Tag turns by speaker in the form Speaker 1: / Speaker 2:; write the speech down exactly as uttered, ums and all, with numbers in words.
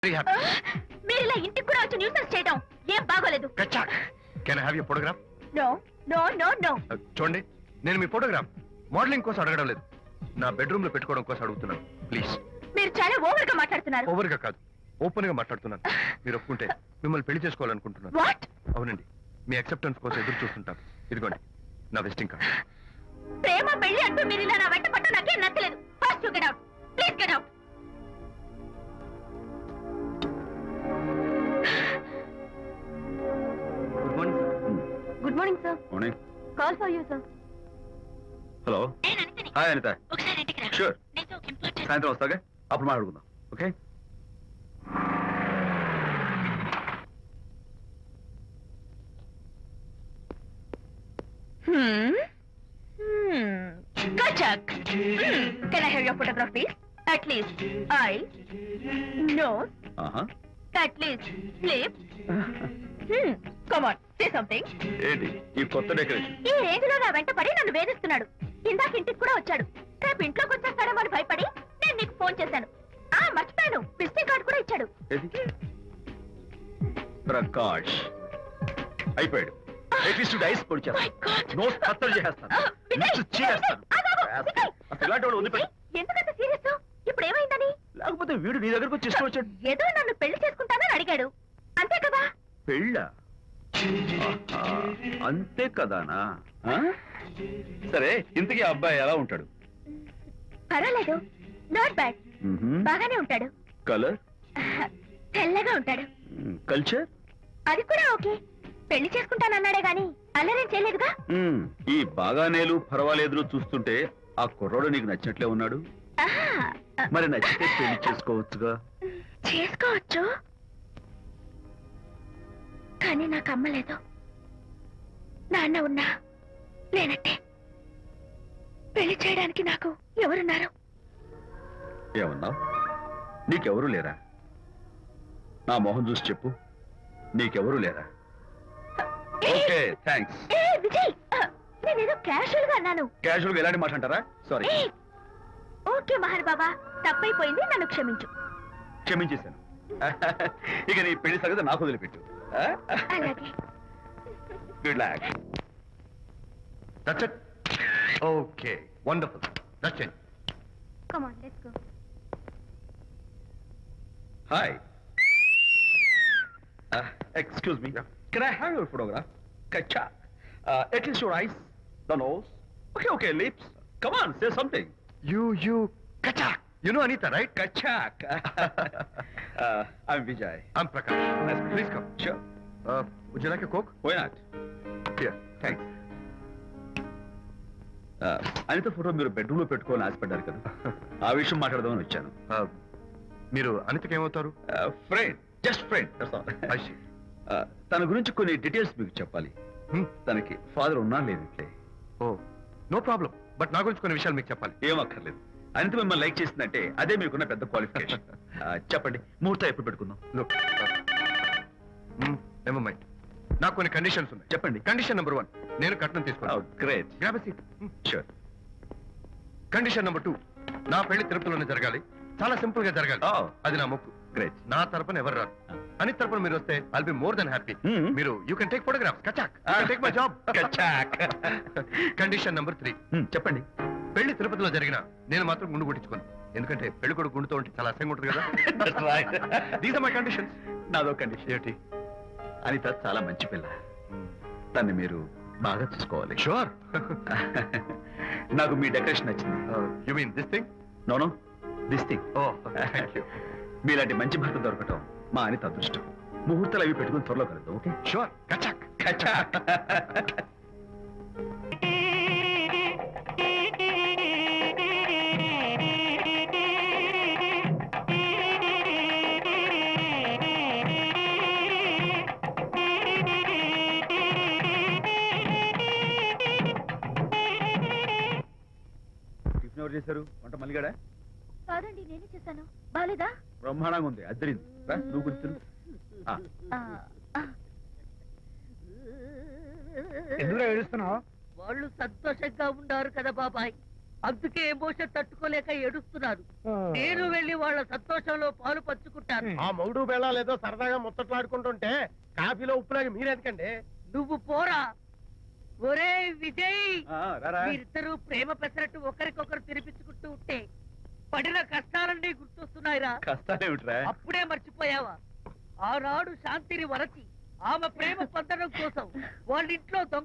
Speaker 1: Very happy.
Speaker 2: మీరు ఇలా ఇంటికి కూడా వచ్చి న్యూసెన్స్ చేయడం ఏం బాగోలేదు.
Speaker 1: కచ్చాక్. Can I have your photograph?
Speaker 2: No no no no.
Speaker 1: చూడండి, నేను మీ ఫోటోగ్రాఫ్ మోడలింగ్ కోసం అడగడం లేదు, నా బెడ్రూమ్ లో పెట్టుకోవడం కోసం అడుగుతున్నాను. ప్లీజ్.
Speaker 2: మీరు చాలా ఓవర్ గా మాట్లాడుతున్నారు.
Speaker 1: ఓవర్ గా కాదు, ఓపెన్ గా మాట్లాడుతున్నాను. మీరు ఒప్పుకుంటే మిమ్మల్ని పెళ్లి చేసుకోవాలనుకుంటున్నాను.
Speaker 2: వాట్?
Speaker 1: అవునండి, మీ అక్సెప్టెన్స్ కోసం ఎదురు చూస్తుంటాను. ఇదిగోండి నా విజిటింగ్ కార్డ్.
Speaker 2: ప్రేమ పెళ్లి అంటూ మీరు ఇలా నా వెంట పట్ట నాకేం నచ్చలేదు. First you get out. Please get out.
Speaker 1: Good morning sir.
Speaker 2: Good morning sir.
Speaker 3: Morning.
Speaker 2: Call for you sir.
Speaker 3: Hello. Hi Anitha.
Speaker 2: ఒకసారి ఇంటికి రా.
Speaker 3: షూర్.
Speaker 2: నీతో ఒక ఇంపార్టెంట్.
Speaker 3: సాయంత్రం వస్తాగా, అప్పుడు మాట్లాడుకుందాం. Okay.
Speaker 2: Hmm. Hmm. Kachak. Hmm. Can I have your photograph, please? At least eyes, nose,
Speaker 3: ఆహా.
Speaker 2: at least lips. Hmm. Come on, say something.
Speaker 3: ఏంటి ఈ కొత్త డెకరేషన్?
Speaker 2: ఈ రేంజ్ లో నా వెంట పడి నన్ను వేధిస్తున్నాడు. ఇందాక ఇంటికి కూడా వచ్చాడు. రేపు ఇంట్లోకి వచ్చేస్తాడేమో అని భయపడి నేను నీకు ఫోన్ చేశాను. ఆ మర్చిపోయాను, విజిటింగ్ కార్డు కూడా ఇచ్చాడు.
Speaker 3: ఏది? ప్రకాష్ అయిపోయాడు. అట్లీస్ట్ డైస్ పొడి
Speaker 2: My God.
Speaker 3: చేస్తాను, నోస్ కత్తలు చేస్తాను,
Speaker 2: Ah, Vijay,
Speaker 3: లిప్స్ చీరేస్తాను.
Speaker 2: Vijay, ఆగు, ఆగు, Vijay.
Speaker 3: అసలు ఇలాంటి వాడు వదిలిపెట్టు.
Speaker 2: ఎందుకంత సీరియస్? ఇప్పుడు ఏమైందని?
Speaker 3: లేకపోతే వీడు నీ దగ్గరకు వచ్చి ఇష్టం వచ్చాడు.
Speaker 2: ఏదో నన్ను పెళ్లి చేసుకుంటానని అడిగాడు, అంతే కదా?
Speaker 3: పెళ్ళా? ఆహా, అంతే కదానా? ఆ? సరే, ఇంతకీ ఆ అబ్బాయి ఎలా ఉంటాడు?
Speaker 2: పర్వాలేదు, నాట్ బ్యాడ్. బాగానే ఉంటాడు.
Speaker 3: కలర్?
Speaker 2: తెల్లగా ఉంటాడు.
Speaker 3: కల్చర్?
Speaker 2: అది కూడా ఓకే. పెళ్లి చేసుకుంటానన్నాడే గాని అల్లరేం చేయలేదుగా.
Speaker 3: ఈ బాగానేలు పర్వాలేదు చూస్తుంటే ఆ కుర్రోడు నీకు నచ్చినట్లే ఉన్నాడు.
Speaker 2: ఆహా,
Speaker 3: మరి నచ్చితే పెళ్లి చేసుకోవచ్చుగా.
Speaker 2: చేసుకోవచ్చు, కానీ నాకు అమ్మ లేదు, నాన్న ఉన్నా లేనట్టే. పెళ్లి చేయడానికి నాకు ఎవరున్నారు?
Speaker 3: ఏమన్నావు? నీకెవరూ లేరా? నా మొహం చూసి చెప్పు, నీకెవరూ లేరా? Okay, thanks.
Speaker 2: ఏ విజయ్, నేనేదో క్యాషువల్ గా అన్నాను.
Speaker 3: క్యాజువల్ గా ఎలాంటి మాట అంటారా? సారీ.
Speaker 2: ఏ, ఓకే మహర్ బాబా, తప్పైపోయింది, నన్ను క్షమించు.
Speaker 3: క్షమించేశాను. ఇక నీ పెళ్లి సంగతి నాకు వదిలిపెట్టు.
Speaker 2: అలాగే.
Speaker 3: Good luck.
Speaker 1: That's it. Okay, wonderful. That's it.
Speaker 2: Come on, let's go.
Speaker 3: Hi. Excuse me, can I have your photograph? కచ్చా. At least your eyes, the nose. Okay, okay, lips. Come on, say something.
Speaker 1: You, you, kachak. You know Anita, right?
Speaker 3: Kachak. uh, I'm Vijay.
Speaker 1: I'm Prakash.
Speaker 3: Nice.
Speaker 1: Please come.
Speaker 3: Sure.
Speaker 1: Uh, would you like a Coke?
Speaker 3: Why not?
Speaker 1: Here.
Speaker 3: Thanks. Uh, Anitha photo మీరు bedroom లో పెట్టుకోవాలని ఆశపడ్డారు కదా, ఆ విషయం మాట్లాడదామని వచ్చాను.
Speaker 1: Uh, మీరు అనితకి ఏమవుతారు?
Speaker 3: Friend, just friend.
Speaker 1: I see.
Speaker 3: తన గురించి కొన్ని డీటెయిల్స్ మీకు చెప్పాలి.
Speaker 1: Hmm?
Speaker 3: తనకి ఫాదర్ ఉన్నా లేదంటే?
Speaker 1: Oh, no problem. బట్ నా గురించి కొన్ని విషయాలు మీకు చెప్పాలి.
Speaker 3: ఏం అక్కర్లేదు. అనిత మిమ్మల్ని లైక్ చేసిందంటే అదే మీకున్న పెద్ద క్వాలిఫికేషన్. చెప్పండి, ముహూర్తం ఎప్పుడు పెట్టుకుందాం?
Speaker 1: Look. Never mind. నాకు కొన్ని కండిషన్స్ ఉన్నాయి.
Speaker 3: చెప్పండి.
Speaker 1: కండిషన్ నెంబర్ వన్, నేను కట్నం తీసుకున్నాను.
Speaker 3: Great.
Speaker 1: Grab a seat.
Speaker 3: Sure.
Speaker 1: Condition number two, నా పెళ్లి తిరుపతిలోనే జరగాలి, చాలా సింపుల్ గా జరగాలి.
Speaker 3: Oh.
Speaker 1: అది నా మొక్కు.
Speaker 3: గ్రేట్.
Speaker 1: నా తరపున ఎవరు రారు. అని తరపున మీరు వస్తే I'll be more than happy.
Speaker 3: Hmm.
Speaker 1: మీరు యూ కెన్ టేక్ ఫోటోగ్రాఫ్స్. కచాక్. Take my job.
Speaker 3: కచాక్.
Speaker 1: కండిషన్ నెంబర్ త్రీ,
Speaker 3: చెప్పండి.
Speaker 1: పెళ్లి తిరుపతిలో జరిగిన నేను మాత్రం గుండు కొట్టించుకోను, ఎందుకంటే పెళ్లి కొడుకు గుండుతో ఉంటే చాలా అసహ్యంగా ఉంటుంది కదా. These are my conditions.
Speaker 3: నాదో కండిషన్.
Speaker 1: ఏంటి?
Speaker 3: అనిత చాలా మంచి పిల్ల, తన్ని మీరు బాగా చూసుకోవాలి.
Speaker 1: షూర్.
Speaker 3: నాకు మీ డెకరేషన్ నచ్చింది.
Speaker 1: You mean this thing?
Speaker 3: No no, this thing.
Speaker 1: Oh, thank you.
Speaker 3: మీలాంటి మంచి భర్త దొరకటం మా అనిత అదృష్టం. ముహూర్తాలు అవి పెట్టుకుని త్వరలో కలుద్దాం. ఓకే?
Speaker 1: షూర్. కచాక్.
Speaker 3: కచాక్. టిఫిన్ ఎవరు చేశారు? వంట మల్లిగాడా?
Speaker 2: కాదండి, నేనే చేశాను. బాలేదా?
Speaker 3: బ్రహ్మాండంగా ఉంది, అద్దరింది. రా, నువ్వు గుర్తు.
Speaker 4: ఎందుకు ఏడుస్తున్నావు?
Speaker 5: వాళ్ళు సంతోషంగా ఉన్నారు కదా బాబాయ్.
Speaker 4: అందుకే ఎమోషన్ తట్టుకోలేక ఏడుస్తున్నారు. నేను వెళ్ళి వాళ్ళ సంతోషంలో పాలు పంచుకుంటాను.
Speaker 5: ఆ మౌడు బేళాలు ఏదో సరదాగా ముచ్చట్లాడుకుంటుంటే కాఫీలో ఉప్పులాగా మీరెందుకండి?
Speaker 4: నువ్వు పోరా. ఒరే విజయ్,
Speaker 3: ఆ, రారా.
Speaker 4: మీరిద్దరూ ప్రేమ పెసరట్టు ఒకరికొకరు తినిపించుకుంటూ ఉంటే పడిన కష్టాలన్నీ గుర్తొస్తున్నాయిరా.
Speaker 3: కష్టాలేమిట్రా?
Speaker 4: అప్పుడే మర్చిపోయావా? ఆనాడు శాంతిని వరచి ఆమె ప్రేమ పొందడం కోసం వాళ్ళ ఇంట్లో దొంగ